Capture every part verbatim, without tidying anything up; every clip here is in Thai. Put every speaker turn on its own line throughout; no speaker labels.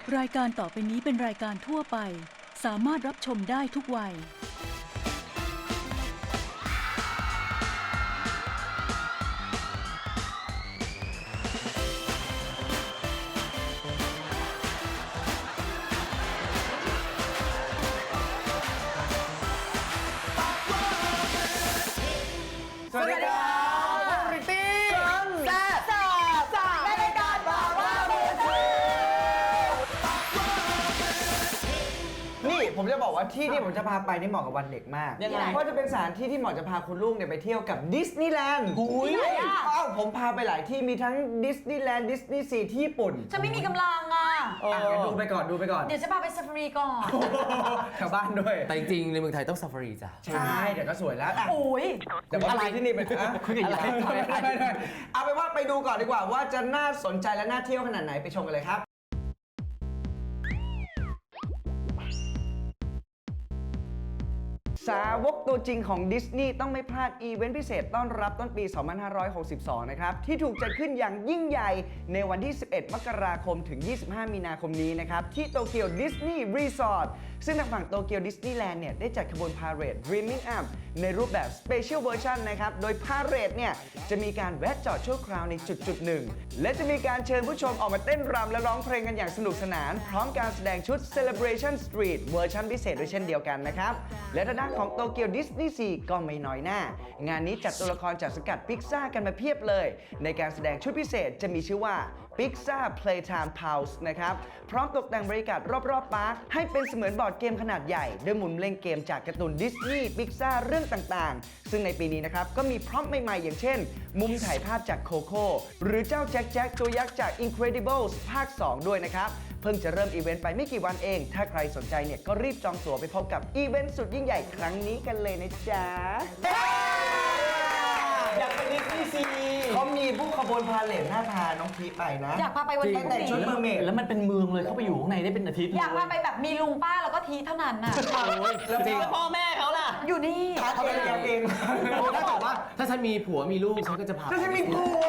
รายการต่อไปนี้เป็นรายการทั่วไปสามารถรับชมได้ทุกวัย
สวัสดีครับริตตี้แซ่บแซ่บแซ่บในรายการบอกว่ามือถือนี่ผมจะบอกว่าที่ที่ผมจะพาไปนี่เหมาะกับวันเด็กมากยังไงเพราะจะเป็นสถานที่ที่เหมาะจะพาคุณลูกเนี่ยไปเที่ยวกับดิสนีย์แลนด์หุยอ้าวผมพาไปหลายที่มีทั้งดิสนีย์แลนด์ดิสนีย์ซีที่ญี่ปุ่น
ฉันไม่มีกำลังอ่ะ
อ่ะดูไปก่อนดูไปก่อน
เดี๋ยวจะพาไปซาฟารีก่อน
แถวบ้านด้วย
แต่จริงๆในเมืองไทยต้องซาฟารีจ้ะ
ใช่เดี๋ยวก็สวยแล้วอ่ะ
โอ้ย
แต่ว่าอะไรที่นี่เป็นอะ
คุยกันอยู่
อะไรเอาไปนว่าไปดูก่อนดีกว่าว่าจะน่าสนใจและน่าเที่ยวขนาดไหนไปชมกันเลยครับสาวกตัวจริงของดิสนีย์ต้องไม่พลาดอีเวนต์พิเศษต้อนรับต้นปี สองพันห้าร้อยหกสิบสอง นะครับที่ถูกจัดขึ้นอย่างยิ่งใหญ่ในวันที่ สิบเอ็ด มกราคมถึง ยี่สิบห้า มีนาคมนี้นะครับที่โตเกียวดิสนีย์รีสอร์ทซึ่งทางฝั่งโตเกียวดิสนีย์แลนด์เนี่ยได้จัดขบวนพาเหรด Dreaming Up ในรูปแบบ Special Version นะครับโดยพาเหรดเนี่ยจะมีการแวะจอดชั่วคราวในจุดจุดหนึ่งและจะมีการเชิญผู้ชมออกมาเต้นรำและร้องเพลงกันอย่างสนุกสนานพร้อมการแสดงชุด Celebration Street เวอร์ชันพิเศษด้วยเช่นเดียวกันนะครับและทางด้านของโตเกียวดิสนีย์ซีก็ไม่น้อยหน้างานนี้จัดตัวละครจากสังกัดพิกซ่ากันมาเพียบเลยในการแสดงชุดพิเศษจะมีชื่อว่า Pixar Playtime Pulse นะครับพร้อมตกแต่งบรรยากาศรอบๆปาร์คให้เป็นเสมือนบอร์ดเกมขนาดใหญ่โดยหมุนเล่นเกมจากการ์ตูนดิสนีย์พิกซ่าเรื่องต่างๆซึ่งในปีนี้นะครับก็มีพร็อพใหม่ๆอย่างเช่นมุมถ่ายภาพจากโคโค่หรือเจ้าแจ็คแจ็คตัวยักษ์จาก Incredibles ภาค สอง ด้วยนะครับเพิ่งจะเริ่มอีเวนต์ไปไม่กี่วันเองถ้าใครสนใจเนี่ยก็รีบจองตั๋วไปพบกับอีเวนต์สุดยิ่งใหญ่ครั้งนี้กันเลยนะจ๊ะ
อยากไปดิสนีย์ซี
เขามีผู้ขบวนพาเหรดหน้าพาน้องพีไปนะ
อยากพาไปวันนี้
แต่งชุดเมอร์เมด
แล้วมันเป็นเมืองเลยเข้าไปอยู่ข้างในได้เป็นอาทิตย์
อยากพาไปแบบมีลุงป้าแล้วก็ทีเท่านั้นน่ะ
แล้วจริงพ่อแม่เขาล่ะ
อยู่นี่
เขาเป็นกันเอง
ถ้าบอกว่าถ้าฉันมีผัวมีลูกฉันก็จะพา
ถ้าฉันมีผัว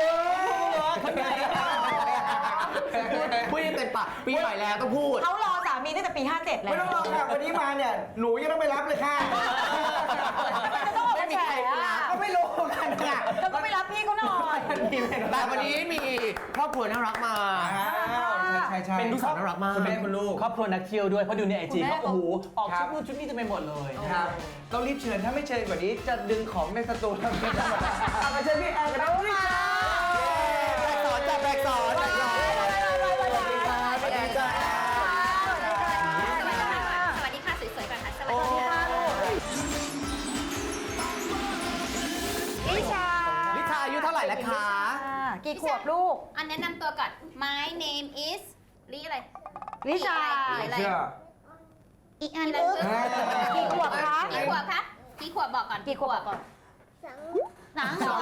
พูดยังเต็มปากปีใหม่แล้วต้องพูด
เขารอสามีตั้งแต่ปีห้าเจ็ดแล้ว
ไม่ต้องรอค่ะวันนี้มาเนี่ยหนูยังต้องไปรับเลยค่ะ
จะต้องออกมาแฉอ่ะ
ก็ไม่รู้กันค่ะ
เธอก็ไปรับพี่เขาหน่อย
แต่วันนี้มีครอบครัวน่ารักมา
ใช่ใช่
เป็นลูกสาวน่ารักมาก
คุณแม่คุณลูก
ครอบครัวนักเที่ยวด้วยเพราะดูในไอจี
คุณแม่
เขาโอ้โหออก
ครั
ชุ
บ
ดนู่นชุดนี้จะไปหมดเลย
ครับต้องรีบเชิญถ้าไม่เชิญกว่านี้จะดึงของในสตูทำไม่ได้เอามาเชิญพี่แอนกันด้วยค่ะ
แบกสอนจ้ะแบกสอนแบกสอนสวัสดีค่ะสวัสดีจ้า
สวัสดีค่ะ สวยๆก่อนค่ะ สวัสดีค่ะลิชา
ลิชาอายุเท่าไหร่แล้วคะ
กี่ขวบลูก
อันแนะนำตัวก่อน My name is ลิอะไร
ลิชา
ลิอะไร
เชื่อ
อีกอันนึง
กี่ขวบคะ
กี่ขวบคะกี่ขวบบอกก่อน
กี่ขวบก่อน
สามสอง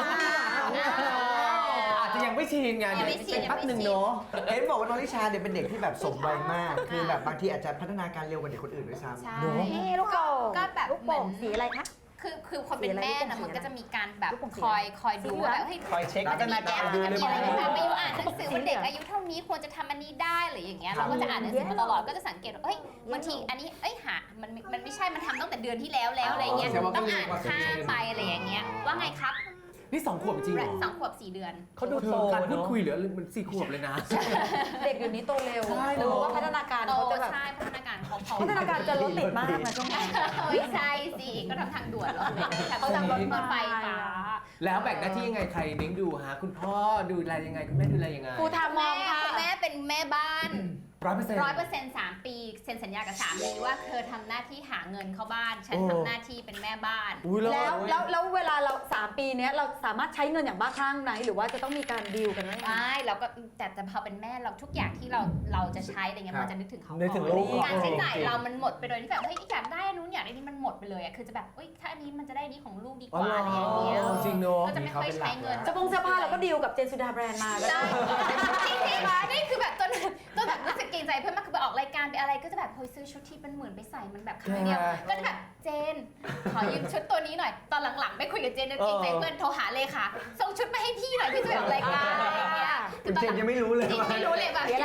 อาจจะยังไม่ชินไง
ยังไม่ชิน
แป๊บหนึ่งเนาะ
เห็นบอกว่าน้องลิชาเนี่ยเป็นเด็กที่แบบสมวัยมาก คือแบบบางทีอาจจะพัฒนาการเร็วกว่าเด็กคนอื่นด้วยซ้ำ
ใช่
ลูกโป่ง
ก็แบบ
ลูก
เหมื
โป่
อน
งสีอะไรคะ
คือคือคนเป็นแม่นะมันก็จะมีการแบบ
ลูกโป่งสี
คอยคอยดู
สีเหลือง
แบบเฮ้ย
คอยเช็ค
มันจะมีแอบมันจะมีอะไร
ดู
ที่
เรื่
แบ
อง
บไปอยู่อ่านหนังสือว่าเด็กอายุเท่านี้ควรจะทำอันนี้ได้หรืออย่างเงี้ยเราก็จะอ่านหนังสือมาตลอดก็จะสังเกตว่าเฮ้ยบางทีอันนี้เอ้ยหามันมันไม่ใช่มันทำตั้งแต่เดือนที่แล้วแล้วอะไรเงี้ยต้องอ่านข้ามไปอะไรอย่างเงี้ยว่าไงครับ
นี่สองขวบจริงเหรอ
สองขวบสี่เดือน
เขาดู
เธ
โต
อการพูด
เนอะ
คุยเหลือมันสี่ขวบเลยนะ
เด็กอยู่นี้โตเร็ว
ใช่เน
ดู
อะ
ว่าพัฒนาการ
โต
เขาจะแบบ
ใช่พัฒนาการเขาเขา
พัฒนาการจะรถติดมากนะช่วงนี้
ไม่ใช่สิก็ทำทางด่วนรถเลย
เขาทำรถ
รถไฟฟ้า
แล้วแบ่งหน้าที่ยังไงใครเลี้ยงดูฮะคุณพ่อดูแลยังไงคุณแม่ดูแลยังไง
กูทำม
แม่
องค่ะ
คุณแม่เป็นแม่บ้าน
ร้อยเปอร์เซ็นต์
ร้อยเปอร์เซ็นต์สามปีเซ็นสัญญากับสามีว่าเธอทำหน้าที่หาเงินเข้าบ้าน ฉัน
โอ้
ทำหน้าที่เป็นแม่บ้าน
อุ้ย
แล้วแล้วแล้วเวลาเราสามปีเนี้ยเราสามารถใช้เงินอย่างบ้าคลั่งไหมหรือว่าจะต้องมีการดีลกันไหม
ไม่เราก็แต่แต่พอเป็นแม่เราทุกอย่างที่เราเราจะใช้อะไรเงี้ยมันจะนึกถึงเขา
นึกถึงลูกก่อน
การใช้จ่ายเรามันหมดไปโดยที่แบบเฮ้ยอยากได้อันนู้นอยากได้นี่มันหมดไปเลยอะคือจะแบบเฮ้ยถ้าอันนี้มันจะได้อันนี้ของลูกดีกว่าอะไรอย่างเงี้ย
จริงเนาะ
ก็จะไม่ค่อยใช้เงิน
จะปงเสื้อผ้าเราก็ดีลกับเจนสุดาแบรนด์มาก็
ใช่
ได้
จริงจริงนี่คือแบบจนจนแบบรู้สึกเกรงใจเพื่อนมากคือไปออกรายการไปอะไรก็จะแบบเฮ้ยซื้อชุดที่เป็นหมื่นไปใส่มันแบบครั้งเดียวก็จะแบบเจนขอยืมชุดตัวนี้หน่อยตอนหลังๆไม่คุยกับเจนเกรงใจเพื่อนโทรหาเลยค่ะส่งชุดมาให้พี่หน่อยพี่จะไปออกรายการอะไรอย่างเงี้ย
เจนยังไม่รู้เลย
จริง
ว่า
ไม่รู้เลยแบบ
เสียอะไร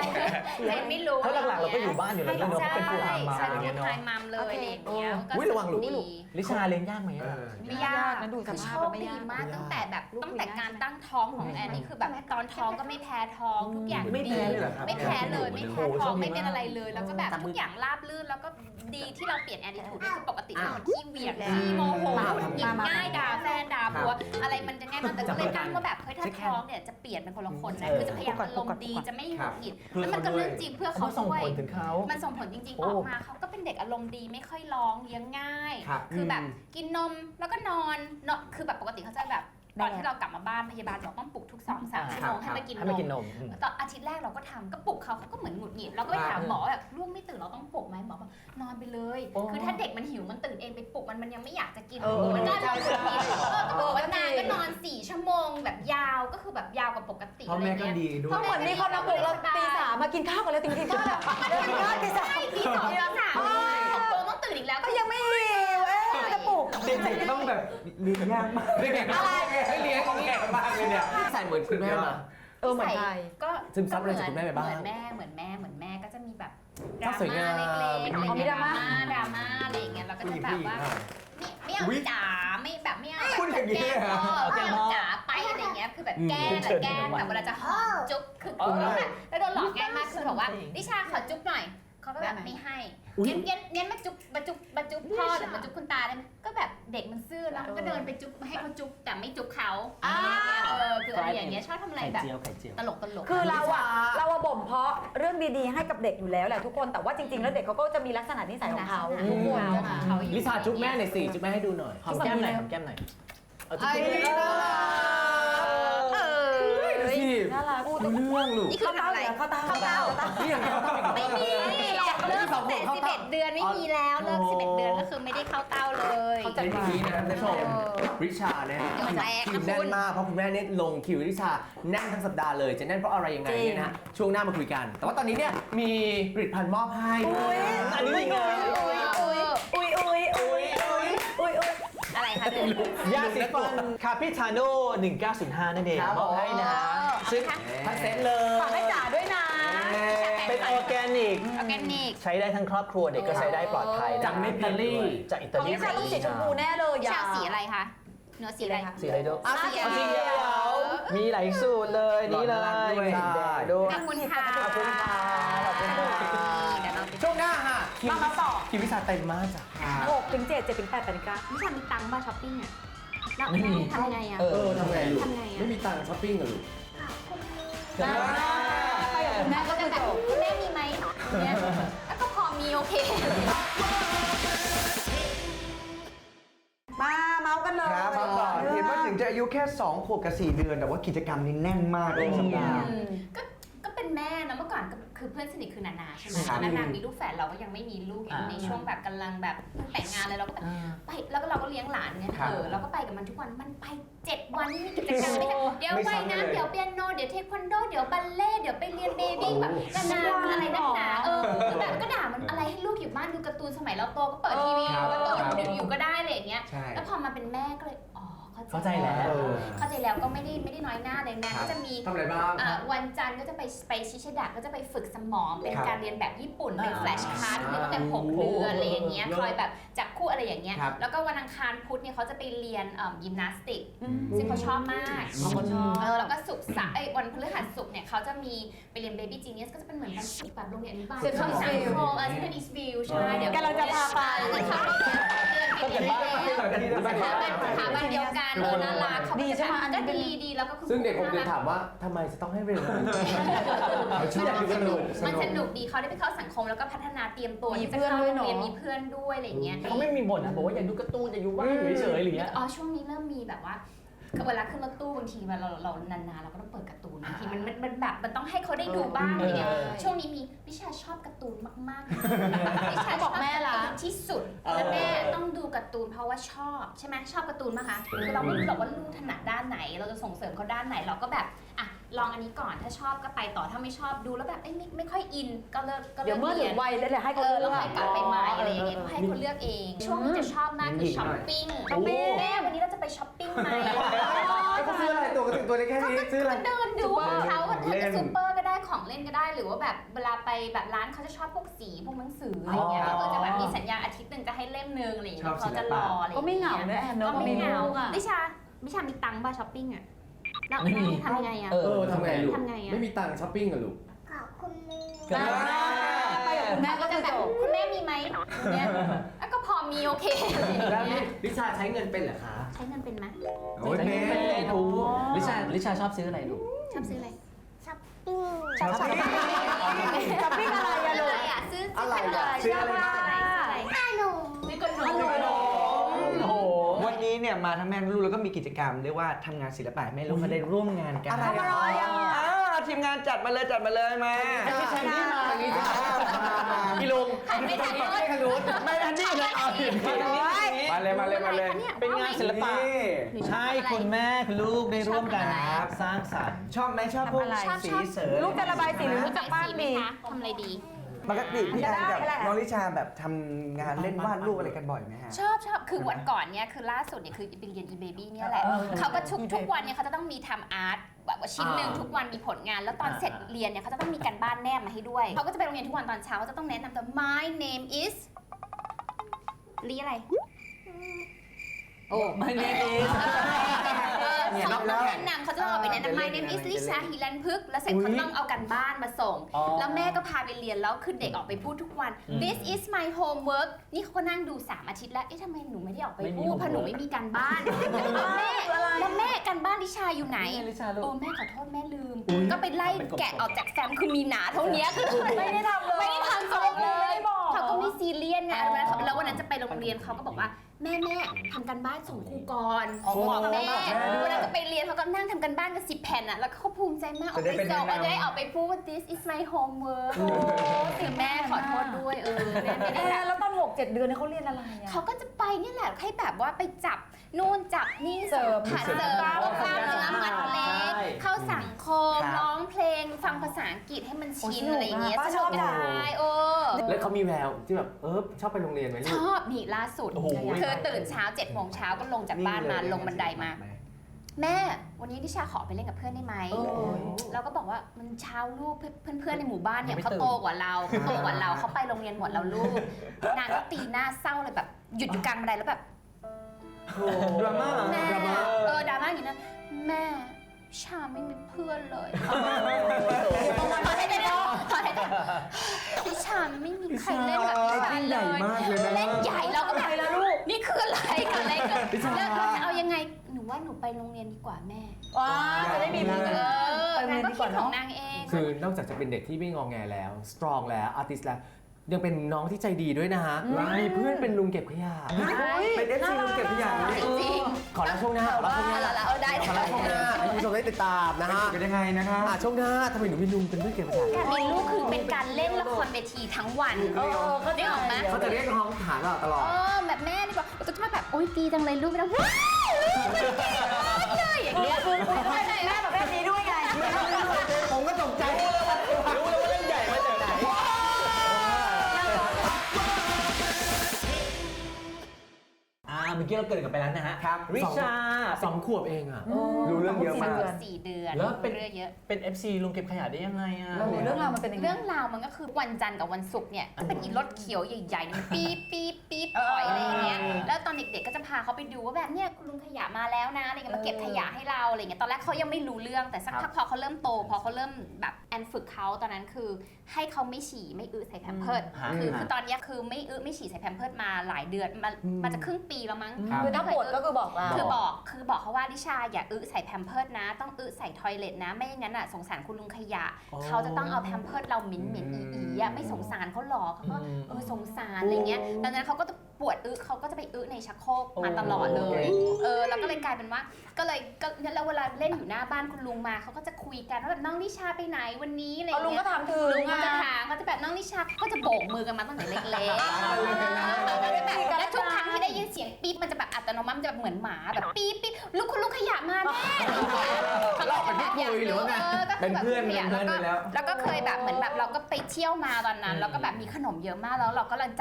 ใครไม่รู้
เพราะหลักๆเราก็อยู่บ้านอยู่แล้วเนาะเป็นฟูลไทม์มา
ใช่
อะไร
ฟู
เงี้ย
ล
เนาะ
ไทม์มัมเลยอะไรอย่างเงี้ยก็
อุ๊ยระวังหลุด
ดี
ลิชาเลี้ยงยากไหม
เอ
อะ
อ
ไม่ยาก
นะดูส
คือ
ภา
โช
พ
ค
ไม่
ดี
ยาก
มากตั้งแต่แบบ
ลูก
ตั้งแต่
ไม่ยาก
การตั้งท้องของแอนนี่คือแบบตอนท้องก็ไม่แพ้ท้องทุกอย่าง
ไม่
ดี
แพ้เลยเหรอครับ
ไม่แพ้เลยไม่แพ้
โอ้โห
ท้อง
โชคดี
ไม่เป็น
มาก
อะไรเลย แล้วก็แบบทุกอย่างราบรื่นแล้วก็ดีที่เราเปลี่ยนแอนดิทูดคือปกติเป็นคนขี้เหวี่ยงขี้โมโหหยิบง่ายด่าแฟนด่าผัวอะไรมันจะง่ายมันแต่ก็เลยตั้งว่าแบบเฮ้ยถ้าท้องเนี่ยจะเปลี่ยนเป็นคนละคนนะคือจะพยายามอารมณ์ดีจะไม่หงุดหงิดแล้วมันก็เรื่องจริงเพื่อ
เขา
เขา
ส่ง
ด้วย
ผลถึงเขา
มันส่งผลจริงๆ
โอ้
ออกมาเขาก็เป็นเด็กอารมณ์ดีไม่ค่อยร้องเลี้ยงง่าย
ครับ
คือแบบกินนมแล้วก็นอนเนาะคือแบบปกติเขาจะแบบตอนที่เรากลับมาบ้านพยาบาลบอกต้องปลุกทุกสองสามชั่วโมงให้มากิน
ให้
น
มา
ม
กินนม
ตอนอาทิตย์แรกเราก็ทำก็ปลุกเขาเขาก็เหมือนหงุดหงิดเราก็ไปถามหมอแบบลูกไม่ตื่นเราต้องปลุกไหมหมอบอกนอนไปเลย
โอ้
คือถ้าเด็กมันหิวมันตื่นเองไปปลุกมันมันยังไม่อยากจะกิน
เออ
มันก็นอนหงุดหงิดเออก็บอกว่า
เออ
นางก็นอนสี่ชั่วโมงแบบยาวก็คือแบบยาวกว่าปกติ
พ่อ
อะไร
แม่ก็
เงี้ย
ดีด้ว
ก็
ย
เหมือนมีคนมาปลุกเราตีสามมากินข้าวกันแล้วตีกินข้าวแล้วเดินกินข้าวตีสาม
ตีสองตีสามหกโมงต้องตื่นอีกแล้ว
ก็ยังไม่หิวเอ๊ะจะปลุก
เด็กๆต้องแบบเลี้ยงยากมาก
เด็กๆอะไรให้เลี้ยงของแก่มากเลยเนี่ยใส่เหมือนคุณแม่มา
เออเหมือนไทย
ก็
ซึมซับอะไรจากคุณแม่ไปบ้าง
เหมือนแม่เหมือนแม่เหมือนแม่ก็จะมีแบบด
ก็
รา
สวยงา
ม่าม เล็กๆอะไร
อ๋อมี
เงี้ย
ดราม่า
ดราม่าอะไรอย่างเงี้ยเราก็จะแบบว่าไม่ไม่เอา
อุ๊ย
จ๋าไม่แบบไม่เอา
พูดอย่างนี้
แกล้
เลย
ง
เหรอ
พ่อไม่เอาจ๋าไปอะไรเงี้ยคือแบบแกล้งอะแกล้งแบบเวลาจะหอมจุ๊บคือแล้วแบบแล้วโดนหลอกง่ายมากคือบอกว่านิชาขอจุ๊บหน่อยเขาก็แบบไม่ให้เงี้ยเงี้ยเงี้ยมาจุ๊บมาจุ๊บมาจุ๊บพ่อหรือมาจุ๊บคุณตาได้ไหมก็แบบเด็กมันซื่อแล้วมันก็เดินไปจุ๊บให้เขาจุ๊บแต่ไม่จุ๊บเขาอะไรเงี้ยเออคืออะไรอย่างเงี้ยชอบทำอะไร
ไข่
แบบ
เจียวไข่เจียว
ตลกตลก
คือเราอะเราอะบ่มเพาะเรื่องดีๆให้กับเด็กอยู่แล้วแหละทุกคนแต่ว่าจริงๆแล้วเด็กเขาก็จะมีลักษณะนิสัยของเขาทุกคน
ของเขาอยู่
ลิชาจุ๊บแม่หน่อยสิจุ๊บแม่ให้ดูหน่อยหอมแก้มหน่อยหอมแก้มหน่อยเอาจุ๊บแก้มหน่อย
เออ
สิ
น่ารัก
รู้เรื่องลูก
นี่คือทำอะไร
เข้าเต้าเข้าเต้า
นี่อย่างเขาต้อง
ไม่มีหรอกเลิกตั้งแต่สิบเอ็ดเดือนไม่มีแล้วเลิกสิบเอ็ดเดือนก็คือไม่ได้เข้าเต้าเลย
เขาจะ
เป็นอย่างนี้นะครับท่านผู้ชมริชาเนี่ย
เดี๋ยวแตก
คิว
นะ
แน่
คุ
น
ณ
มากเพราะคุณแม่เนี่ยลงคิวริชาแน่นทั้งสัปดาห์เลยจะแน่นเพราะอะไรยังไงเนี่ยนะช่วงหน้ามาคุยกัน แต่ว่าตอนนี้เนี่ยมีผลิตภัณฑ์มอบให้ด้วย
อันนี้ยังไง
อุ้ยอุ้ยอุ้ยอุ้ยอุ้ยอุ้ยอุ้ยอุ้ย
อะไรคะเดือน
ยาสีฟันคาปิทาโน่หนึ่งเก้าศูนย์ห้านั่นเองมอบให้นะ
ซึ่งทั้งเซ็ตเลย
ฝากให้จ๋าด้วยนะ
เป็นออร์แกนิก
ออร์แกนิก
ใช้ได้ทั้งครอบครัวเด็กก็ใช้ได้ปลอดภัยนะ
จากเนเธอร์แลนด์
จากอิ
ข
ตา
อง
ลี
นิชาต้องสีชมพูแน่เลย
ชาวสีอะไรคะเนื้อสีอะไร
สีอะไรดู
สีเขียว
สีเขียวมีหลายสูตรเลยนี่เลยมีสีแดงด้วย
ขอบคุณค่ะ
ขอบคุณค่ะขอบคุณค่ะ
เดี๋ยวเราไป
ช่วงหน้าค่ะ
มามาต่อ
คิวริชาเต็มมากจ้ะ
หกถึงเจ็ดเจ็ดถึงแปดแปดถึงเก้า
นิชามีตังค์มาช้อปปิ้งอ่ะแล้ว
ไม่มี
ทำไงอ่ะ
เออ
ทำไงลูก
ทำไงอ่ะ
ไม่มีตังค์ช้อปปิ้งเหรอลูก
ไปกับคุณแม่
ก็
ก็
จะ
จะ
แบ
แบบ บ
คุณแม่มีไหมเนี่ยแล้วก็พอมีโอเค
มาเมาส์กันเลย
ครับมาก่อนเห็นว่าถึงจะอายุแค่สองขวบกับสี่เดือน แต่ว่ากิจกรรมนี้แน่นมากเลยสัปดาห์
ก็ก็เป็นแม่นะเมื่อก่อนก็คือเพื่อนสนิทคือนานาใช่ไหม
ค
ต
รั
อบ นนั้นนางมีลูกแฝดเราก็ยังไม่มีลูกอย่างในช่วงแบบกำลังแบบเพิ่งแต่งงานเลยเราก็แบบไปแล้วก็เราก็เลี้ยงหลานเนี่ยเออเราก็ไปกับมันทุกวันมันไปเจ็ดวันนี่มีกิจกรรมไม่ใช่เดี๋ยวว่ายน้ำเดี๋ยวเปียโนเดี๋ยวเทควันโดเดี๋ยวบัลเล่เดี๋ยวไปเรียนเบบี้แบบนานาอะไรนักหนาเออแล้วแบบก็ด่ามันอะไรให้ลูกอยู่บ้านดูการ์ตูนสมัยเราโตก็เปิดทีวีก็โตอยู่ก็ได้อะไรอย่างเงี้ย
ใช่
แล้วพอมาเป็นแม่ก็เลยอ๋อ
เข้าใจแล้ว
เข้าใจแล้วก็ไม่ได้ไม่ได้น้อยหน้าเลยนะก็จะมี
ทำอะไรบ้าง
อ่าวันจันทร์ก็จะไปไปชิชดะก็จะไปฝึกสมองเป็น
ครับ
การเรียนแบบญี่ปุ่นเป็น
อ่า
แฟลชการ์ดเรียนตั้งแต่หกเดือนอะไรอย่างเงี้ยคอยแบบจับคู่อะไรอย่างเงี้ย
ครับ
แล้วก็วันอังคารพุธเนี่ยเขาจะไปเรียนเอ่อยิมนาสติกซึ่งเขาชอบมาก
อ๋อเขาชอบ
เออแล้วก็ศุกร์เสาร์เอ้ยวันพฤหัสศุกร์เนี่ยเขาจะมีไปเรียน Baby Genius ก็จะเป็นเหมือนการฝึกแบบโรงเรียนอนุบาล
Central
ที่สัง
Eastview
คมเออที่เป็นอีสต์วิวใช่เดี๋ยว
กำลังจะพาไป
เดือนเขาเดือนไปเรียน สถาบันสถาบันเดียวกันเออน่ารักเขา
ดีใช่ไหมอันนี้
ก็ดีดีแล้วก็คือ
ซึ่งเด็กผมจะ
น่ารั
ถามว่าทำไมจะต้องให้เรียน
มัน
อยากดู
ส
กัน
นุ
ดู
กมันสนุกดีเขาได้ไปเข้าสังคมแล้วก็พัฒนาเตรียมตัว
มี
ที่จะ
เพื่อน
เข้า
ด้วย
โรงเรียน
เนอะ
มีเพื่อนด้วยอะไรอย่างเงี้ย
เขาไม่มีบ่นนะบอกว่าอยากดูการ์ตูนอยากอยู่บ้านอยู่เฉยๆอะไรอย่างเงี้ย
อ๋อช่วงนี้เริ่มมีแบบว่าคือเวลาขึ้นรถตู้บางทีเวลาเราเรานานๆเราก็ต้องเปิดการ์ตูนบางทีมันมันมันแบบมันต้องให้เขาได้ดูบ้างอะไรเงี้ย
เออ
ช่วงนี้มีวิชาชอบการ์ตูนมากๆวิชา
บอกแม่ล่ะ
ชอบการ์ตูนที่สุดและแม่ต้องดูการ์ตูนเพราะว่าชอบใช่ไหมชอบการ์ตูนมั้ยคะคือเราไม่รู้หรอกว่าลูกถนัดด้านไหน เราจะส่งเสริมเขาด้านไหนเราก็แบบอ่ะลองอันนี้ก่อนถ้าชอบก็ไปต่อถ้าไม่ชอบดูแล้วแบบเอ้ยไม่ไม่ค่อยอินก็เลิกก็เลิก
เดี๋ยวเมื่อถึ
รี
ง
น
วัยแล้วเดี๋ยวให้
เอ
เขา
อ
เลื
แล้ว
อก
ค่อยกลับไปใหม่อะไรอย่างเงี้ยก็ให้คนเลือกเอง ช่วงนี้จะชอบมากคือช้อปปิ้ง
ช้อปปิ้ง
แม่วันนี้เราจะไปช้อปปิ้งไหม
เขาซื้ออะไรตัวกระถึงตัวได้แค่นี้ซื้ออะไร
ก็เดินดูของเขาเธอจะซูเปอร์ก็ได้ของเเล่นก็ได้หรือว่าแบบเวลาไปแบบร้านเขาจะชอบพวกสีพวกหนังสืออะไรเงี้ยก็จะแบบมีสัญญาอาทิตย์หนึ่งจะให้เล่มนึงอะไรอย่างเงี้ยเขาจะรออะไร
ก็ไม่เหงาเนอะแอนเนอะ
ก็ไม่เหงา
มีลูกอะ
ดิชาดิชามีตังค์ป่ะช้อปปิ้งอ่ะแล้ว
ไม่มี
ทำยังไงอ่ะ
เอ
เออทำไงลูก
ทำไงอะ
ไม่มีตังค์ช้อปปิ้งอะลูก
เกิดอะไร
ไปกับคุณแม่ก็
จะ
จะ
แบ
แบบ บ
คุณแม่มีไหมเนี่ยแล้วก็พอมีโอเคอะไรอย่าง
แล้ว
เงี้
นี่
ย
ลิชาใช้เงินเป็นเหรอคะ
ใช้เงินเป็นไหม
โอ้ย
เป็น
เม
เป็นโอ้ลิชาลิชาชอบซื้ออะไรลูก
ชอบซื้ออะไร
ช้อป
ช้อปปิ้งช้อปปิ้งอะไรอะลูก
อะไรอ่ะซื้อ
อะไร
ขน
อะ
ม
ซื้ออะไร
ซื้ออะไรซื้อขนมซื้อขนม
โอ้โห
วันนี้เนี่ยมาทั้งแม่ทั้งลูกแล้วก็มีกิจกรรมเรียกว่าทำงานศิลปะแม่ลูกมาได้ร่วมงานกัน
อะไรอะ
อ่าทีมงานจัดมาเลยจัดมาเลยมา
ไม่ใช่นี่มา
ทางนี้จ้า
พี่ลุง
หันไม่ทันเลย
ทางนู้น
ไม่ทันนี่เลยเอาผิด
มาเลยมาเลยมาเลย
เป็นงานศิลปะ
นี่
ใช่คุณแม่คุณลูกได้ร่วมกันสร้างสรรค์
ชอบไหมชอบพวก
ทำอะไร
สีเสริม
ลูกจะระบายสีหรือลูกจะปั้นดี
ทำอะไรดี
ปกติพี่แอนกับ
ได้แหละ
น้องลิชาแบบทำงานเล่นวาดรูปอะไรกันบ่อยไหมฮะ
ชอบชอบคือวันก่อนเนี่ยคือล่าสุดเนี่ยคือไปเรียน e-baby เนี่ยแหละ
เออ
เขาก็ทุกทุกวันเนี่ยเขาจะต้องมีทำอาร์ตแบบว่าชิ้นหนึ่ง
อ่า
ทุกวันมีผลงาน แล้วตอน
อ่า
เสร็จเรียนเนี่ยเขาจะต้องมีการบ้านแนบมาให้ด้วยเขาก็จะไปโรงเรียนทุกวันตอนเช้าจะต้องแนะนำตัว my name is ลีอะไร
โอ้ไม่เนมเอง
เออเขาต้องแนะนำเขาจะต้องเอาไปแนะนำ my name is ลิชาฮิรันพึกษ์แล้วเสร็จเขาต้องเอากันบ้านมาส่ง แล้วแม่ก็พาไปเรียนแล้วคือเด็กออกไปพูดทุกวัน this is my homework นี่เขาก็นั่งดูสามอาทิตย์แล้ว เอ๊ะทำไมหนูไม่ได้ออกไปพูดเพราะหนูไม่มีการบ้านแม่แล้วแม่การบ้านลิชาอยู่ไหน
ลิชาลู
โอ้
ก
แม่ขอโทษแม่ลืม ก็ไปไล่แกะออกจากแฟ้มคือมีหนาเท่านี้คือ
ไม่ได้ทำเลย
ไม่ได้ทำส่งเลย
ไม่บอก
เขาก็ไม่ซีเรียสไงแล้ววันนั้นแล้ววันนั้นจะไปโรงเรียนเขาก็บอกว่าแม่แม่ทำการบ้านส่งครูก่อนบอกแม่เวลาจะไปเรียนเขาก็นั่งทำการบ้านกันสิบแผ่นอ่ะแล้วเขาภูมิใจมากออกไปส่งจะได้ออกไปพูดว่า this is my homework ถึงแม่ขอโทษด้วยเออแม่ไม่
แอ
ได้
นแล้วตอนหกเจ็ดเดือนเนี่ยเขาเรียนอะไรอะ
เขาก็จะไปเนี่ยแหละให้แบบว่าไปจับนู่นจับนี่
เสริม
ผ่าเสริม
กล้าม
พวกกล้ามเนื้อมัดเล็ก
ใช่
เข้าสังคม
ครับ
ร้องเพลงฟังภาษาอังกฤษให้มันชิน
โอ้สนุก
อะไรอย่างเงี้ย
อะป้า
สนุก
ชอบจัง
ใช่โอ้
แล้วเขามีแววที่แบบเออชอบไปโรงเรียนไหม
ช
ลูก
อบนี่ล่าสุด
โอ้โห
คือตื่นเช้าเจ็ดโมงเช้าก็ลงจากบ้านมาลงบันไดมา แม่วันนี้ดิชาขอไปเล่นกับเพื่อนได้ไหม
โอ้ย
เราก็บอกว่ามันเช้าลูกเพื่อนเพื่อนๆในหมู่บ้านเนี่ย
ยังไม่
เขา
ตื่น
โตกว่าเราเขาโตกว่าเราเขาไปโรงเรียนหมดแล้วลูกนางก็ตีหน้าเศร้าเลยแบบหยุดอยู่กลางบันไดแล้วแบบ
ดราม่าเหรอ
แม่
ดราม่า
เออดราม่าอย่างนี้นะแม่ชาไม่มีเพื่อนเลยขอให้ได้ขอให้ได้พี่ชาไม่มีใครเล่นแบบพี่ชา
เล่น
เล
ใหญ่
ย
มากเลยนะ
เล่นใหญ่เราก็แบบนี่คืออะไรกันอะไรกันแล้วเราจะเอายังไงหนูว่าหนูไปโรงเรียนดีกว่าแม่
ว้าจะได้มีเพื่อน
เออ
ไปโรง
นาง
เรียน
ก็
ดีก
คิ
ว่า
ด
เน
ของ
อะ
นางเอง
คือนอกจากจะเป็นเด็กที่ไม่งอแงแล้ว สตรองแล้ว อาร์ติสแล้ว ยังเป็นน้องที่ใจดีด้วยนะฮะ มีเพื่อนเป็นลุงเก็บขยะ
เป็นเอฟซีลุงเก็บทุกอย่างเลย
จริง
ขอรับช่วงหน้าขอรับช่วงหน้า
เอาละเอาได้
ขอรับช่วงหน้าให้คุณผู้ชมได้ติดตามนะ
นะ
ฮะ
ฮะกันยังไงนะครับ
อ่ะช่วงหน้าทำไมหนูมีลุงเป็นเพื่อนเก็บขยะ
การมีลูกคือเป็นการเล่นละครเวทีทั้งวัน
เออก็
ได้ออกไหม
เขาจะเรียกน้องฐานเราตลอด
เออแบบแม่ดีกว่าก็จะมาแบบโอ๊ยดีจังเลยลูกไม่ต้องว้าวลูกมันเก่งมากเลยอย่างเงี้ย
คือคุณแม่แบบแบบนี้ด้วยไง
ผมก็ตกใจรู้แล้วว่ารู้แล้วว่าเล่นใหญ่มาจากไหน
อ่าเมื่อกี้เราเกริดกันไปแล้วนะฮะ
ครับ
ริชา
สองขวบเองอ่ะ
รู้เรื่องเยอะมาก
สี่เดือน
แล้วเป็น
เรื่องเยอะ
เป็น เอฟ ซี ลุงเก็บขยะได้ยังไงอ่ะ
โอ้โหเรื่องราวมันเป็นยังไง
เรื่องราวมันก็คือวันจันทร์กับวันศุกร์เนี่ยก็เป็นอีรถเขียวใหญ่ๆเนี่ยมันปี๊บปี๊บปี๊บถอยอะไรอย่างเงี้ยแล้วตอนเด็กๆก็จะพาเขาไปดูว่าแบบเนี่ยคุณลุงขยะมาแล้วนะอะไรเงี้ยมาเก็บขยะให้เราอะไรเงี้ยตอนแรกเขายังไม่รู้เรื่องแต่สักพักพอเขาเริ่มโตพอเขาเริ่มแบบแอนฝึกเขาตอนนั้นคือให้เขาไม่ฉี่ไม่อึใส่แพมเพิร์ส
ฮะ
คือคือตอนเนี้ยคือไม่อึไม่ฉี่ใส่แพมเพิร์สมาหลายเดือนมามาจะครึ่งปีแล้วมั้ง
ครับ
คือถ้าปวดก็คือบอกเรา
คือบอกคือบอกเขาว่าดิชาอย่าอึใส่แพมเพิร์สนะ ต้องอึใส่ทอยเลทนะ ไม่อย่างนั้นอ่ะสงสารคุณลุงขยะ
อ๋อ
เขาจะต้องเอาแพมเพิร์สเราเหม็นเหม็นอีอีอ่ะไม่สงสารเขาหรอกเขาก็
อืม
เออสงสารอะไรเงี้ยดังนั้นเขาก็จะปวดอึเขาก็จะไปอึในชักโครกมาตลอดเลยเออแล้วก็เลยกลายเป็นว่าก็เลยก็แล้วเวลาเล่นอยู่หน้าบ้านคุณลุงมาเขาก็จะคุยกันว่าแบบน้องนิชาไปไหนวันนี้อะไร
เอาลุง
เงี้
ก็
ย
ถามถึง
ลุงก็จะถามเขาจะแบบน้องนิชาก็จะโบกมือกันมาตั้งแต่เล็กๆแล้วก็จะแบบแล้วทุกครั้งที่ได้ยินเสียงปี๊บมันจะแบบอัตโนมัติมันจะแบบเหมือนหมาแบบปี๊บปี๊บลูกคุณลุงขยะมาแม่เขาก็จะแบบอยากรู้เออก็คือแบบ
เป็นเพื่อน
ขยะ
เป็นเพื่อนไปแล้ว
แล้วก็เคยแบบเหมือนแบบเราก็ไปเที่ยวมาตอนนั้นแล้วก็แบบมีขนมเยอะมากแล้วเราก็ลังจัด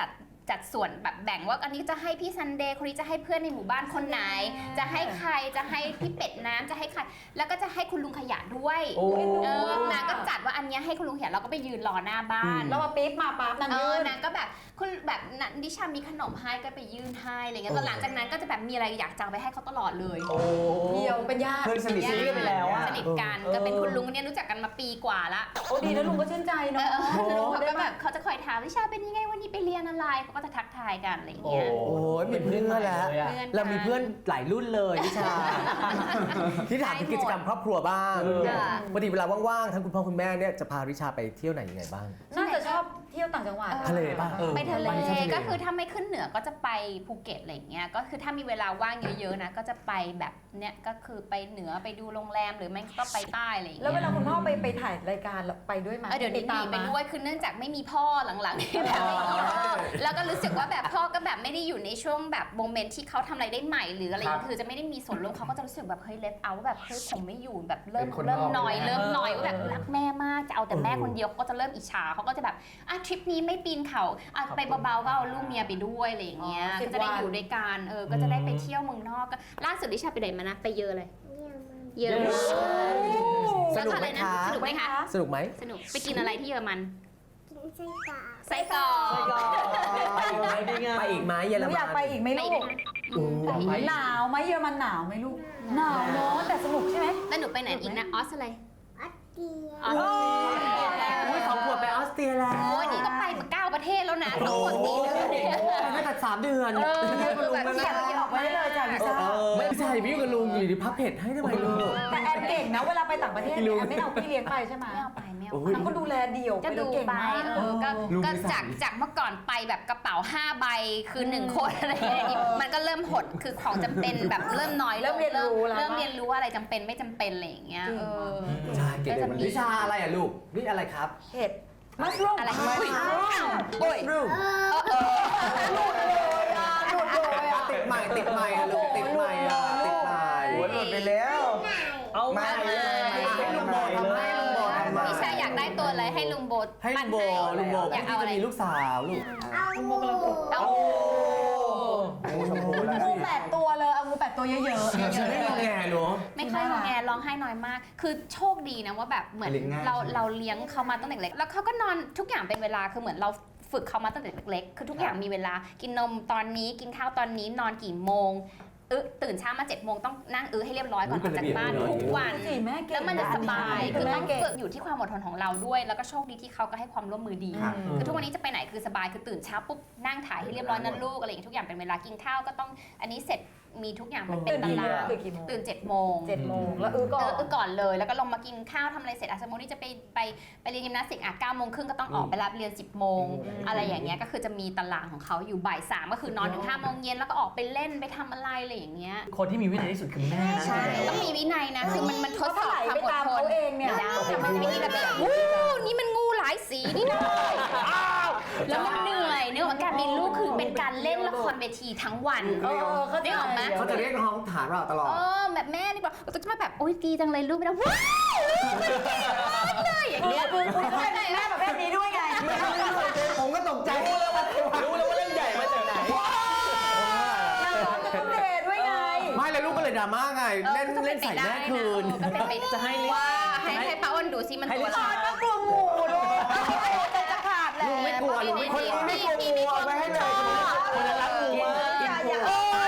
จัดส่วนแบบแบ่งว่าอันนี้จะให้พี่ซันเดย์คนนี้จะให้เพื่อนในหมู่บ้านคนไหน จะให้ใครจะให้พี่เป็ดน้ำจะให้ใครแล้วก็จะให้คุณลุงขยะด้วย
โอ้
เออนางก็จัดว่าอันเนี้ยให้คุณลุงขยะเราก็ไปยืนรอหน้าบ้าน
แล้วมาปี๊บมาปั๊บนาง
เอ
ยื
อน นางก็แบบคุณแบบนันดิชามีขนมให้ก็ไปยื่นให้อะไรเงี้ยตอนหลังจากนั้นก็จะแบบมีอะไรอยากจะเอาไปให้เขาตลอดเลย
โอ้
เดียวเป็นญาติ
เพื่อนสนิท
ซีกันไปแล้วอะ
สนิทกันก็เป็นคุณลุงเนี่ยรู้จักกันมาปีกว่าละ
โอ้ดีแล้วลุงก็ชื่นใจ
เอ
เนาะ
อลุงเขาก็แบบเขาจะคอยถามดิชาเป็นยังไงวันนี้ไปเรียนอะไรเขาก็จะทักทายกันอะไรเงี้ย
โอ้ยมีเพื่อนแล้ว
เพื่อนกัน
เรามีเพื่อนหลายรุ่นเลยนิชา ที่ถามถึงกิจกรรมครอบครัวบ้าง
เออ
ปกติเวลาว่างๆทั้งคุณพ่อคุณแม่เนี่ยจะพาริชาไปเที่ยวไหนยังไงบ้าง
น่าจะชอบเที่ยวต่างจังหวัด
ทะเลป่ะเออ
ไปทะเล
ไปที่ทะเล
ก็คือถ้าไม่ขึ้นเหนือก็จะไปภูเก็ตอะไรอย่างเงี้ยก็คือถ้ามีเวลาว่างเยอะๆนะก็จะไปแบบเนี้ยก็คือไปเหนือไปดูโรงแรมหรือไม่ก็ไปใต้อะไรอย่าง
แล้ว
เงี้
เวย ลาคุณพ่อไปไปถ่ายรายการไปด้วยไหม
เออเดี๋ยวนี้ห
ตา
นี
ม
ไป
มา
ด้วยคือเนื่องจากไม่มีพ่อหลังๆที่แบบไม่มีพ่อแล้วก็รู้สึกว่าแบบพ่อก็แบบไม่ได้อยู่ในช่วงแบบโมเมนต์ที่เขาทำอะไรได้ใหม่หรืออะไรอย่างเงี้ยคือจะไม่ได้มีส่วนร่วมเขาก็จะรู้สึกแบบเฮ้ยเลฟเอาแบบเฮ้ยผมไม่อยู่แบบเริ่ม
เป็นคน
เริ่ม
นอก
หน่อย
ไปแล้ว
เริ่มหน่อยว่าแบบรักแม่มากจะเอาแต่แม่คนเดียวเขาก็จะเริ่มอิจฉาเขาก็จะแบบอ่ะทริปนี้ไม่ปีนเขาอ่ะไปเบาๆก็เอาลูกเมียไปด้วยอะไรอย่างเงี้ยก็จะได้อยู่ด้วยกันเออก็จะได้ไปเที่ยวเมืองนอกก็ล่าสุดดิชาไปไหนมานะไปเยอะเลย เยอะ
สนุกไหม
แล้วก็อร
คะ
สนุกไหมคะ
สนุกไหม
สนุกไปกินอะไรที่เยอรมัน
กินไส้กรอก
ไส้กรอก
ไปอีกไหมพี่งา
ไปอีกไหมเยอ
ห
ร
นู
มัน
อยากไปอีกไหม
ไป
ลู
อีก
ก
ไหม
โอ้
ไป
หนาวไหมเยอรมันหนาวไหมลูกหนาวเนาะแต่สนุกใช่ไหม
แล้วหนูไปไหนอีกนะออสอะไร
อัดเดีย
ออส
อุ้ยสองขวบไปออสเตรียแล้ว
โอ้ยนี่ก็ไปมาเก้าประเทศแล้วนะทั้งหมดนี้เลย
ไม่ตัดสามเดือน
เออคือแบบ
เขียนเขียนออกไว้ได้เลยจ้ะลิซ่า
ไม่ใช่พี่กับลุงอยู่ดีพับเผ็ดให้ทำไมลูก
แต่แอนเก่งนะเวลาไปต่างประเทศเนี่ยแอนไม่เอาพี่เลี้ยงไปใช่ไหม
ไม่เอาไปไม่เอา
โอ้
ไป
ย
นางก็ดูแลเดี่ยว
ก็ดู
เก่ง
ไป
มาก
เออก็
ลุง
ก็
มีสา
จาก
มี
จากเมื่อก่อนไปแบบกระเป๋าห้าใบคือหนึ่งคนอะไรอย่างเงี้ยมันก็เริ่มหดคือของจำเป็นแบบเริ่มน้อยลง
เริ่มเรียนรู้แล้ว
เริ่มเรียนรู้ว่าอะไรจำเป็นไม่จำเป็นอะไรอย่างเงี้ยเออ
ใช่เก่ง
ก็จะมี
วิชาอะไรอ่ะลูกนี่อะไรครับ
เห็ดมัสลูม
อะไร
มัส
อุ้ย
ลูม
โอ้ย
รู
เออเออ
หลุดเลยอ่ะหลุดเลยอ่ะ
ติดใหม่ติดใหม่อ่ะลูกติดใหม่อ่ะติดใหม่
โอ้ยหลุดไปแล้ว
เอา
มา
มา
เลย
ให้ลุงโบทำให้ลุงโบทำมา
พี่ชายอยากได้ตัวอะไรให้ลุงโบ
ให้ลุงโบลุงโบ
อยากเอา
ที่
อะไร
จะมีลูกสาวลูก
เอาหมู
เอา
โอ้ชมพูนะ
งูแปดตัวเลยเอางูแปดตัวเยอะๆ
ฉันไม่งอแงเนาะ
ไม่ค่อยงอแงร้องไห้น้อยมาก คือโชคดีนะว่าแบบเหมือน
เลี้ยงง่าย
เราเราเลี้ยงเขามาตั้งแต่เล็กแล้วเขาก็นอนทุกอย่างเป็นเวลาคือเหมือนเราฝึกเขามาตั้งแต่เล็กๆคือทุกอย่างมีเวลากินนมตอนนี้กินข้าวตอนนี้นอนกี่โมงเออตื่นเช้ามาเจ็ดโมงต้องนั่งเออให้เรียบร้อยก่อนออกจากบ้านทุกวัน
สิแม่เก่ง
แล้วมันจะสบาย
คื
คือ อ
แม่
ต้อง
เก่ง
ฝึกอยู่ที่ความอดทนของเราด้วย แล้วก็โชคดีที่เขาก็ให้ความร่วมมือดี
ครับ
คือทุกวันนี้จะไปไหนคือสบาย คือตื่นเช้าปุ๊บนั่งถ่ายให้เรียบร้อยนั่นลูกอะไรอย่างเงี้ยทุกอย่างเป็นเวลากินข้าวก็ต้องอันนี้เสร็จมีทุกอย่างมันเป็นตาราง
ตื่นกี่โมง
ตื่นเจ็ดโมง
เจ็ดโมงแล้วอื้อก่อน
เออก่อนเลยแล้วก็ลงมากินข้าวทำอะไรเสร็จอาสมมติที่จะไปไปไปเรียนยิมนาสติกอ่ะเก้าโมงครึ่งก็ต้องออกไปรับเรียนสิบโมงอะไรอย่างเงี้ยก็คือจะมีตารางของเขาอยู่บ่ายสามก็คือนอนถึงห้าโมงเย็นแล้วก็ออกไปเล่นไปทำอะไรอะไรอย่างเงี้ย
คนที่มีวินัยที่สุดคือแม่นะ
ใช่ต้องมีวินัยนะคือมันมันทดสอบความ
ไป
อด
ตาม
ทน
เขาเองเนี่ย
ไม่ได้มันจะไม่มีระเบียบวู้นี่มันงูหลายสีนี่นะอ้าวแล้วมันเหนื่อยเนื้อของการมีลูกคือเป็นการเล่นละครเวทีทั้งวัน
เออเขา
ได้ออกไหม
เขาจะเรียกน้องฐานเราตลอด
เออแบบแม่นี่บอกก็จะมาแบบโอ๊ยดีจังเลยลูกไม่ได้ว้าวลูกมันเก่งมากเลยอย่างเงี้ย
คุณคุณเคยมีแม่แบบแบบนี้ด้วยไง
ผมก็ตกใจ
รู้แล้วว่ารู้แล้วว่าเล่นใหญ่มาจากไหน
นางร้องกับคุณเดชด้วยไง
ไม่แล้วลูกก็เลยดราม่าไงเล่นเล่นใส่แม่คืน
ก็เป็นไป
จะให้
ว่าให้ให้ป้าอ้นดูซิมันตัวอะไร
ก็กลัวงูด้วยจะขาดแหละ
ลุงไม่กลัวลุงไม่กลัว
พี่ไม่กลัวงูเอาไปให้เลย
คนละรักงูมาก
อย่าอย่าง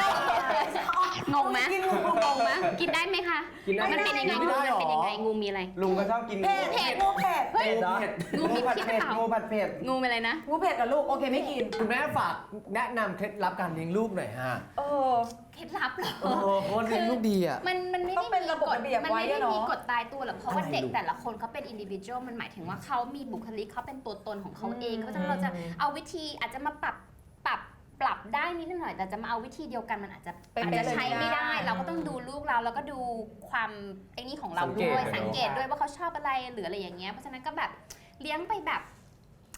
งไหมงงไหมกินได้ไหมคะ
กินได้
มันเป็นยังไงงูมันเป็นยังไงงูมีอะไร
ลุงก็ชอบกิน
เผ็ดเผ็ดงูเผ็ด
เฮ้ย
เผ็ด
งู
งู
มี
ผัด
พิษห
เผ็
รือ
ด
เปล่า
งูผัดเผ็ด
งูเป็นอะไรนะ
งูเผ็ดกับลูกโอเคไม่กิน
คุณแม่ฝากแนะนำเคล็ดลับการเลี้ยงลูกหน่อยฮะ
เออ
เคล็ดลับเหรอ
โอ้โหเพราะว่าเลี้ยงลูกดีอ่ะ
มันมันไม่
ต้
ได้
องเป็นระบบ
มีกฎ
ระเบียบ
มัน
ไว้
ไม่ได้
ด้วยเนอะ
มีกฎตายตัวหรอกเพราะว่า
อะไร
เด็ก
ลูก
แต่ละคนเขาเป็นอินดิวิ u a l มันหมายถึงว่าเขามีบุคลิกเขาเป็นตัวตนของเขาเองเพราะฉะนั้นเราจะเอาวิธีอาจจะมาปรับปรับปรับได้นิดหน่อยแต่จะมาเอาวิธีเดียวกันมันอาจจะ
เป็น
อาจ
ไป
จะ
เลย
ใช้ไม่ได้
ไม่ได้
เราก็ต้องดูลูกเราแล้วก็ดูความไอ้นี่ของเรา
สังเกต
ด้วย
อะเนอะ
สังเกตด้วยว่าเขาชอบอะไรหรืออะไรอย่างเงี้ยเพราะฉะนั้นก็แบบเลี้ยงไปแบบ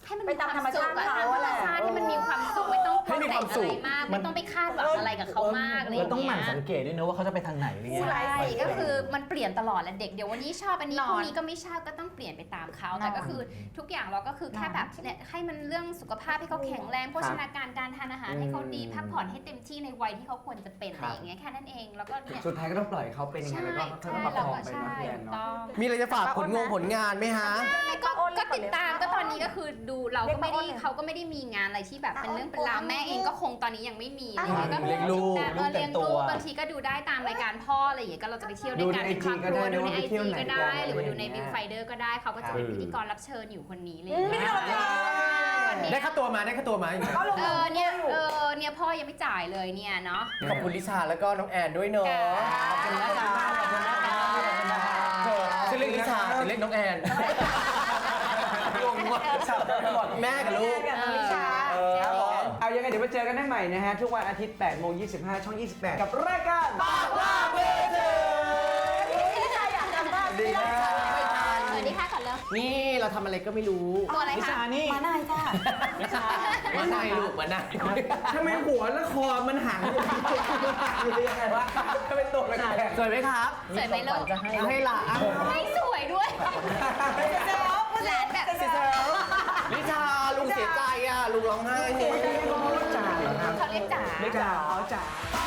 ให้มัน
ไปตามธรรมชาติ
อะ
เขา
ตามธรรม
แหละ
ชาติที่มันมีความสุขไม่ต้อง
ให้มีความสุข
อะไรมากไม่ต้องไปคาดหวังอะไรกับเขามากอะไรอ
เรา
ย่าง
ต้องห
เงี้
มั่น
ย
สังเกตด้วยนะว่าเขาจะไปทางไหนอะไรเงี้ย
ใช่ก็คือมันเปลี่ยนตลอดแหละเด็กเดี๋ยววันนี้ชอบอันนี้
นอน
พรุ่งนี้ก็ไม่ชอบก็ต้องเปลี่ยนไปตามเขาแต่ก็คือทุกอย่างเราก็คือแค่แบบเนี่ยให้มันเรื่องสุขภาพให้เขาแข็งแรงโภชนาการการทานอาหารให้เขาดีพักผ่อนให้เต็มที่ในวัยที่เขาควรจะเป็นอะไรอย่างเงี้ยแค่นั้นเองแล้วก็เนี่ย
สุดท้ายก็ต้องปล่อยเขาเป็นยังไงแล้วก็ค่อยๆประคองไปเนาะพี่แอนเนาะ
มีอะไรจะฝากผลงงผลงานไหมฮะ
ก็ก็ติดตามก็ตอนนี้ก็คือดูเราก็ไม่ได้เขาก็ไม่ได้มีงานอะไรที่แบบเป็นเรื่องเป็นราวแม่เองก็คงตอนนี้ยังไม่มีอะไรอย่างเงี้ยก็
เลี้ยงลูก
เออเลี้ยงลูกบางทีก็ดูได้ตามรายการพ่ออะไรอย่างเงี้ยก็เราจะไปเที่ยวด้วยกันเป็นครอบครัวดูในไอจีก็ได้หรือว่าดูในวิวไฟเดอร์ก็ได้เขาก็จะเป็นพิธีกรรับเชิญอยู่คนนี้เลย
ได้ค่าตัวมาได้ค่าตัวมา
เออเนี่ยเออเนี่ยพ่อยังไม่จ่ายเลยเนี่ยเนาะ
ขอบคุณลิชาแล้วก็น้องแอนด้วยเนาะ
ขอบคุณนะคะขอบคุณนะคะขอบคุณนะคะ
เธอชื่อเล่นลิชาแต่เล่นน้องแอนงงว่ะแม่กับลูก
ลิชา
เออเอายังไงเดี๋ยวมาเจอกันได้ใหม่นะฮะ ทุกวันอาทิตย์แปดโมงยี่สิบห้าช่องยี่สิบแปดกับรายการปากว่าเบอร์เธอ
ลิชาอยากกลับบ้าน
ดีนะ
สวัสดีค่ะก่อนเลย
นี่เราทำอะไรก็ไม่รู้
ตัวอะไร
นิ
คะ
ชานี่
มาหน่อยจ้า
นิชา
มาในลูกมาใน
ทำไมหัวและคอมันห่างอยู่อยู่ยังไงวะทำไมตัวมันแข็ง
สวยไหมครับ
สวยไหมลูก
จะให้
ให้หลาน
ไม่สวยด้วยหลานแบบ
ลิชาลุงเสียใจอ่ะลุงร้องไห้
จ่าเหรอครับ
เขาเรียกจ๋า
ไม่จ่าอ๋อจ่า